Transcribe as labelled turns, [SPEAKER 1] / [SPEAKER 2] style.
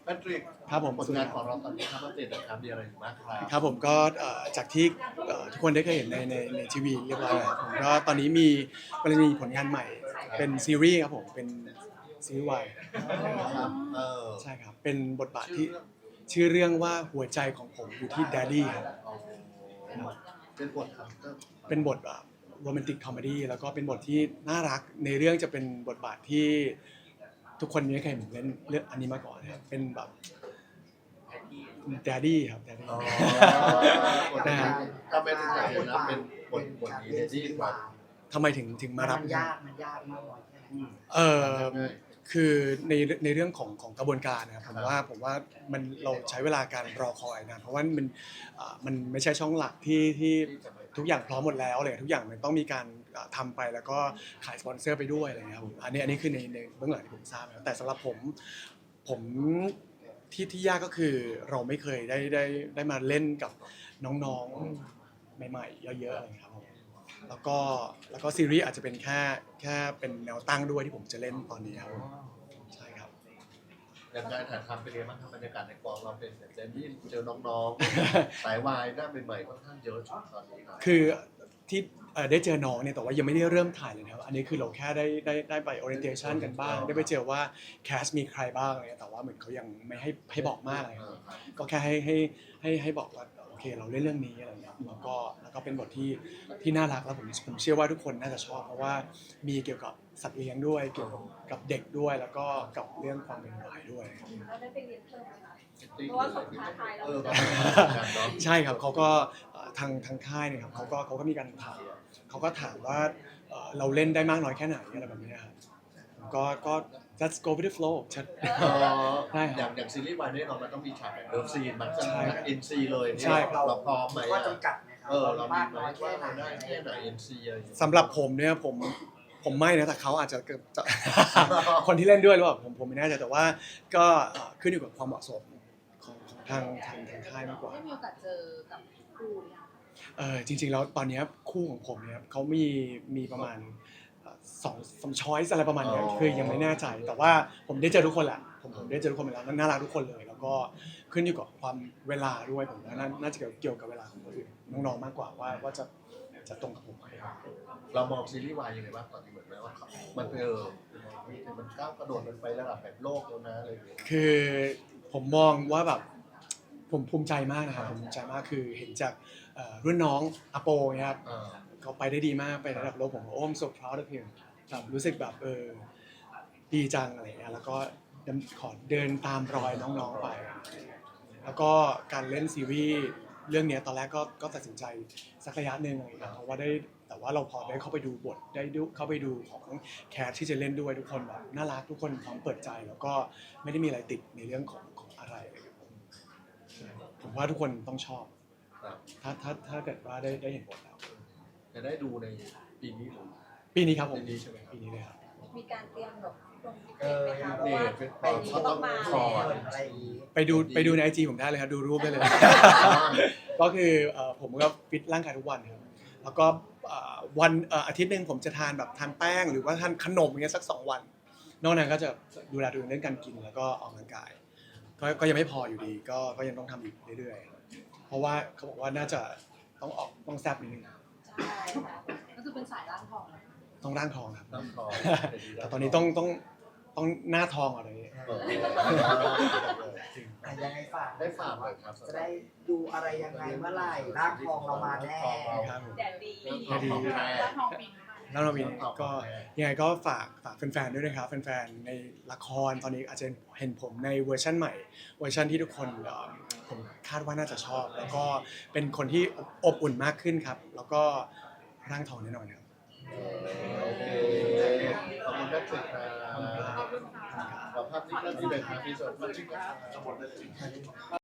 [SPEAKER 1] แพทริก
[SPEAKER 2] ครับผม
[SPEAKER 1] ผลงานของเราตอนนี้ครับว่าเจนนะครับมีอะไรอยู่บ้างครับ
[SPEAKER 2] ครับผมก็จากที่ทุกคนได้เคยเห็นในทีวีเรียบร้อยแล้วผมก็ตอนนี้มีผลงานใหม่เป็นซีรีส์ครับผมเป็นซีรีส์วาย
[SPEAKER 1] ครับ
[SPEAKER 2] ใช่ครับเป็นบทบาทที่ชื่อเรื่องว่าหัวใจของผมอยู่ที่ Daddy ครับ
[SPEAKER 1] เป็นบทครับก็
[SPEAKER 2] เป็นบทโรแมนติกคอมเมดี้แล้วก็เป็นบทที่น่ารักในเรื่องจะเป็นบทบาทที่ทุกคนไม่เคยเห็นเล่นเรื่องอันนี้มาก่อนนะครับเป็นแบบ Daddy ครับ Daddy
[SPEAKER 1] อ๋อ
[SPEAKER 2] นะครับ
[SPEAKER 1] ทำไมถึงอยากเห็นนะเป็นบทนี้เนี่ยที่แบบ
[SPEAKER 2] ทำไมถึงมารับ
[SPEAKER 3] มันยากมากน้อยแค่ไหน
[SPEAKER 2] เออคือในเรื่องของกระบวนการนะครับผมว่ามันเราใช้เวลาการรอคอยนะเพราะว่ามันไม่ใช่ช่องหลักที่ทุกอย่างพร้อมหมดแล้วเลยทุกอย่างมันต้องมีการทำไปแล้วก็ขายสปอนเซอร์ไปด้วยอะไรเงี้ยครับผมอันนี้คือในเบื้องหลังที่ผมทราบนะแต่สำหรับผมที่ยากก็คือเราไม่เคยได้มาเล่นกับน้องๆใหม่ๆเยอะๆอะไรเงี้ยครับผมแล้วก็ซีรีส์อาจจะเป็นแค่เป็นแนวตั้งด้วยที่ผมจะเล่นตอนนี้ครับใช่ครับ
[SPEAKER 1] อย่างการถ่ายทำเป็นยังไงบ้างครับบรรยากาศในกองเราเป็นแบบเจนที่เจอน้องๆสายวายหน้าใหม่ๆค่อนข้างเยอะช่วงตอนนี้ครับ
[SPEAKER 2] คือที่ได้เจอน้องเนี่ยแต่ว่ายังไม่ได้เริ่มถ่ายเลยนะครับอันนี้คือเราแค่ได้ไป orientation กันบ้างได้ไปเจอว่าแคสมีใครบ้างอะไรแต่ว่าเหมือนเขายังไม่ให้บอกมากอะไรครับก็แค่ให้บอกว่าโอเคเราเล่นเรื่องนี้อะไรอย่างเงี้ยแล้วก็เป็นบทที่น่ารักแล้วผมเชื่อว่าทุกคนน่าจะชอบเพราะว่ามีเกี่ยวกับสัตว์เลี้ยงด้วยเกี่ยวกับเด็กด้วยแล้วก็กับเรื่องความเป็นวายด้วยครับ
[SPEAKER 4] เราได้ไปเรียนเพิ่มไหมคะเพราะว่าเขาท้าทายเรา
[SPEAKER 2] ใช่ครับเขาก็ทางค่ายเนี่ยครับเขาก็มีการถามเขาก็ถามว่าเราเล่นได้มากน้อยแค่ไหนอะไรแบบนี้ครับก็ let's go with the flow ชัด ได้ครับ
[SPEAKER 1] อย่างซีรีส์วายแน่นอนมันต้องมีฉากแบบเลิฟซีนมันจะ
[SPEAKER 2] ใช่
[SPEAKER 1] เอ็นซีเลย
[SPEAKER 2] ใช่
[SPEAKER 1] เราพร้อมไหม
[SPEAKER 3] ข้อจำกัดไหมครับ
[SPEAKER 1] เรามี
[SPEAKER 3] มาก
[SPEAKER 1] ไหม
[SPEAKER 3] น้อย
[SPEAKER 1] ว่า
[SPEAKER 3] แค่ไหน
[SPEAKER 1] เราได้แค่ไหนเอ็นซีอะไรอย่างเงี้ย
[SPEAKER 2] สำหรับผมเนี่ยผมไม่นะแต่เขาอาจจะคนที่เล่นด้วยหรือเปล่าผมไม่แน่ใจแต่ว่าก็ขึ้นอยู่กับความเหมาะสมของทางค่ายมากกว่า
[SPEAKER 4] ได้มีโอกาสเจอกับครูเนี่ยค่ะ
[SPEAKER 2] จริงๆแล้วตอนนี้คู่ของผมเนี่ยเขามีประมาณสองช้อยส์อะไรประมาณนี้คือยังไม่แน่ใจแต่ว่าผมได้เจอทุกคนแหละผมได้เจอทุกคนไปแล้วน่ารักทุกคนเลยแล้วก็ขึ้นอยู่กับความเวลาด้วยผมว่าน่าจะเกี่ยวกับเวลาของคนอื่นน้องๆมากกว่าว่าจะตรงกับผมไหม
[SPEAKER 1] เรามองซีรีส์วายยังไงบ้างตอนนี้เหมือนไหมว่ามันมันก้าวกระโดดมันไประดับแบบโลกแล้วนะอะไรอย่างเงี้ย
[SPEAKER 2] คือผมมองว่าแบบผมภูมิใจมากนะครับผมภูมิใจมากคือเห็นจากรุ่นน้องอโปเนี่ยครับเขาไปได้ดีมากไประดับโลกผมโอ้ I'm so proud of him แบบรู้สึกแบบดีจังอะไรเงี้ยแล้วก็ขอเดินตามรอยน้องๆไป แล้วก็การเล่นซีรีส์เรื่องนี้ตอนแรกก็ตัดสินใจสักระยะหนึ่งอะไรอย่างเงี้ยเพราะว่าแต่ว่าเราพอได้เข้าไปดูบทได้เข้าไปดูของแคสที่จะเล่นด้วยทุกคนแบบน่ารักทุกคนพร้อมเปิดใจแล้วก็ไม่ได้มีอะไรติดในเรื่องของอะไรเลยครับผมว่าทุกคนต้องชอบ
[SPEAKER 1] ครับ
[SPEAKER 2] ถ้าเกิดว่าได้เห็นบทแล้ว
[SPEAKER 1] จะได้ดูในปีนี้หรือ
[SPEAKER 2] ปีนี้ครับผม
[SPEAKER 1] ปีนี้ใช่ไหมครับ
[SPEAKER 2] ปีนี้เลยครับ
[SPEAKER 4] มีการเตรียมแบบลงเทปไหมคะเพราะว่า
[SPEAKER 1] เป็น
[SPEAKER 4] ไปนี้ต้องมา
[SPEAKER 1] ขอ
[SPEAKER 4] แล้ว
[SPEAKER 3] อะไรอย่างนี้
[SPEAKER 2] ไปดูใน IG ผมได้เลยครับดูรูปได้เลย ก็คือผมก็ฟิตร่างกายทุกวันครับแล้วก็วันอาทิตย์หนึ่งผมจะทานแบบทานแป้งหรือว่าทานขนมอย่างเงี้ยสัก2 วันนอกนั้นก็จะดูแลตัวเองเรื่องการกินแล้วก็ออกกำลังกายก็ยังไม่พออยู่ดีก็ยังต้องทำอีกเรื่อยๆเพราะว่าเขาบอกว่าน่าจะต้องแซ่บนิดนึง
[SPEAKER 4] ใช่ค่ะก็คือเป็นสายร่างทอง
[SPEAKER 2] ต้องร่างทองครับ
[SPEAKER 1] น้ำทอง
[SPEAKER 2] แต่ตอนนี้ต้องหน้าทองอะไรอย่างเงี้ย
[SPEAKER 3] ยังไงฝาก
[SPEAKER 1] ได้ฝากเลยครับ
[SPEAKER 3] จะได้ดูอะไรยังไงเมื่อไหร่ร่างทองเรามาแน่
[SPEAKER 2] ครับผม
[SPEAKER 4] แดดดี
[SPEAKER 1] ร่างทองปี
[SPEAKER 2] แล้วเรามีก็ยังไงก็ฝากแฟนๆด้วยนะครับแฟนๆในละครตอนนี้อาจจะเห็นผมในเวอร์ชันใหม่เวอร์ชันที่ทุกคนผมคาดว่าน่าจะชอบ แล้วก็เป็นคนที่อบอุ่นมากขึ้นครับ แล้วก็ร่างทองแน่นอนครับ
[SPEAKER 1] โอเคขอบคุณแพทริกครับขอบภาพนิ่งเริ่มที่เป็นครับที่สุด